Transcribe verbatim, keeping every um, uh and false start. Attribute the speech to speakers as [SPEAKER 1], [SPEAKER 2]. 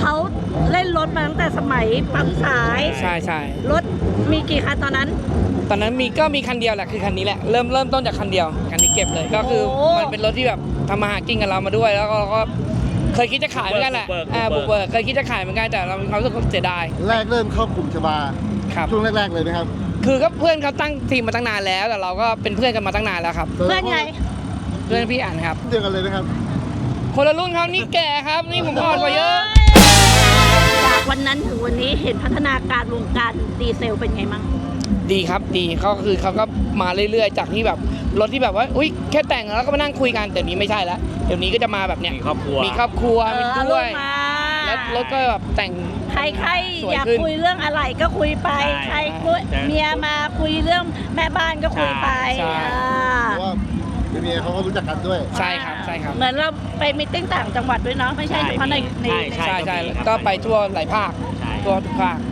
[SPEAKER 1] เขาเล่นรถมาตั้งแต่สมัยปั๊มสาย
[SPEAKER 2] ใช่ใช่
[SPEAKER 1] รถมีกี่คันตอนนั้น
[SPEAKER 2] ตอนนั้นมีก็มีคันเดียวแหละคือคันนี้แหละเริ่มเริ่มต้นจากคันเดียวคันนี้เก็บเลยก็คือ
[SPEAKER 1] โอ้
[SPEAKER 2] มันเป็นรถที่แบบทำมาหากินกับเรามาด้วยแล้วก็เราก็เคยคิดจะขายเหมือนกันแหละอ่าบุกเบิกเคยคิดจะขายเหมือนกันแต่เรามีความรู้สึกเสียดาย
[SPEAKER 3] แรกเริ่มเข้ากลุ่มชบา
[SPEAKER 2] ครับ
[SPEAKER 3] ช่วงแรกๆเลยไหมครับ
[SPEAKER 2] คือก็เพื่อนเขาตั้งทีมมาตั้งนานแล้วแต่เราก็เป็นเพื่อนกันมาตั้งนานแล้วครับ
[SPEAKER 1] เพื่อนไง
[SPEAKER 2] เพื่อนพี่อ่านครับ
[SPEAKER 3] เดียวกันเลยนะครับ
[SPEAKER 2] คนละรุ่นเขานี่แก่ครับนี่ผมอ่อนกว่าเยอะ
[SPEAKER 1] จากวันนั้นถึงวันนี้เห็นพัฒนาการวงการดีเซลเป็นไงมั่ง
[SPEAKER 2] ดีครับดีเขาคือเขาก็มาเรื่อยๆ จากที่แบบรถที่แบบว่าอุ้ยแค่แต่งแล้วก็มานั่งคุยกันแต่นี้ไม่ใช่แล้วเดี๋ยวนี้ก็จะมาแบบเนี้ย
[SPEAKER 4] มีครอบครัว
[SPEAKER 2] มีครอบครัว
[SPEAKER 1] เอ
[SPEAKER 2] มี
[SPEAKER 1] อเอา
[SPEAKER 2] ด้
[SPEAKER 1] ลู
[SPEAKER 2] วย
[SPEAKER 1] กมา
[SPEAKER 2] แล้วรถก็แบบแต่ง
[SPEAKER 1] ใครใคร
[SPEAKER 2] สวย
[SPEAKER 1] อยาก
[SPEAKER 2] ขึ้น
[SPEAKER 1] คุยเรื่องอะไรก็คุยไป
[SPEAKER 4] ใช่
[SPEAKER 1] ใครคุย
[SPEAKER 4] ใช่
[SPEAKER 1] เมียมาคุยเรื่องแม่บ้านก็คุยไป
[SPEAKER 2] ใช่
[SPEAKER 1] อ่า
[SPEAKER 3] เพราะว่าเมียเขาก็รู้จักกันด้วย
[SPEAKER 2] ใช่ครับใช่ครับ
[SPEAKER 1] เหมือนเราไปมิตติ้งต่างจังหวัดด้วยเนาะไม่ใช่เฉพาะในใน
[SPEAKER 4] ใช่
[SPEAKER 2] ใช่ใช่
[SPEAKER 4] ก็มีครับ
[SPEAKER 2] ก็ไปทั่วหลายภาค
[SPEAKER 4] ใช่
[SPEAKER 2] ทั่วทุกภาค